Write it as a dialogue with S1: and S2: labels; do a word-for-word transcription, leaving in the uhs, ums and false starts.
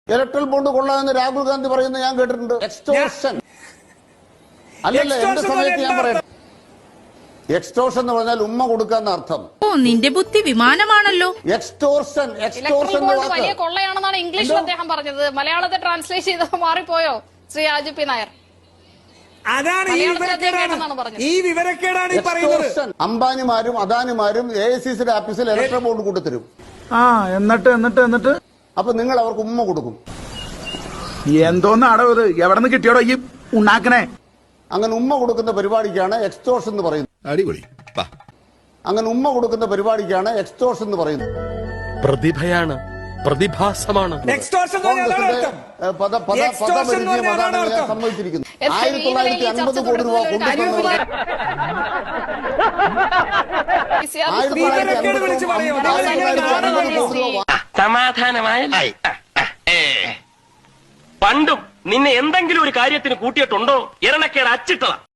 S1: Electoral bond കൊള്ളാമെന്ന് രാഹുൽ ഗാന്ധി പറയുന്നത് ഞാൻ കേട്ടിട്ടുണ്ട്. എക്സ്റ്റോർഷൻ അല്ലല്ല, എന്റെ സമയത്ത് ഞാൻ പറയട്ടെ. എക്സ്റ്റോർഷൻ എന്ന് പറഞ്ഞാൽ ഉമ്മ കൊടുക്കാന്ന അർത്ഥം.
S2: ഓ, നിന്റെ ബുദ്ധി വിമാനമാണല്ലോ.
S1: എക്സ്റ്റോർഷൻ എക്സ്റ്റോർഷൻ
S3: വലിയ കൊള്ളയാണെന്നാണ് ഇംഗ്ലീഷിൽ അദ്ദേഹം പറഞ്ഞത്. മലയാളത്തെ ട്രാൻസ്ലേറ്റ് ചെയ്തത് മാറിപ്പോയോ ശ്രീ രാജു പി നായർ?
S4: അതാണ് ഈ വിവരക്കേടാണ് ഈ വിവരക്കേടാണ് ഈ പറയുന്നത്.
S1: അംബാനിമാരും അദാനിമാരും എ ഐ സി സിയുടെ ആഫീസിൽ ഇലക്ട്രൽ ബോണ്ട് കൊണ്ടുതരും.
S5: ആ എന്നിട്ട് എന്നിട്ട് എന്നിട്ട്
S1: അപ്പൊ നിങ്ങൾ അവർക്ക് ഉമ്മ കൊടുക്കും.
S5: എന്തോന്നാടോ ഇത്? എവിടെ നിന്ന് കിട്ടിയോടോ ഈ ഉണ്ടാക്കണേ?
S1: അങ്ങനെ ഉമ്മ കൊടുക്കുന്ന പരിപാടിക്കാണ് എക്സ്റ്റോർഷൻ എന്ന് പറയുന്നത്.
S6: അടിപൊളി.
S1: അങ്ങനെ ഉമ്മ കൊടുക്കുന്ന പരിപാടിക്കാണ് എക്സ്റ്റോർഷൻ എന്ന് പറയുന്നത്.
S7: പ്രതിഭയാണ്, പ്രതിഭാസമാണ്.
S1: സമ്മതിച്ചിരിക്കുന്നു. ആയിരത്തി തൊള്ളായിരത്തി അൻപത് കോടി രൂപ കൊണ്ടുവന്നത്
S7: സമാധാനമായ പണ്ടും നിന്നെ എന്തെങ്കിലും ഒരു കാര്യത്തിന് കൂട്ടിയിട്ടുണ്ടോ? ഇരണക്കേട് അച്ചിട്ടതാ.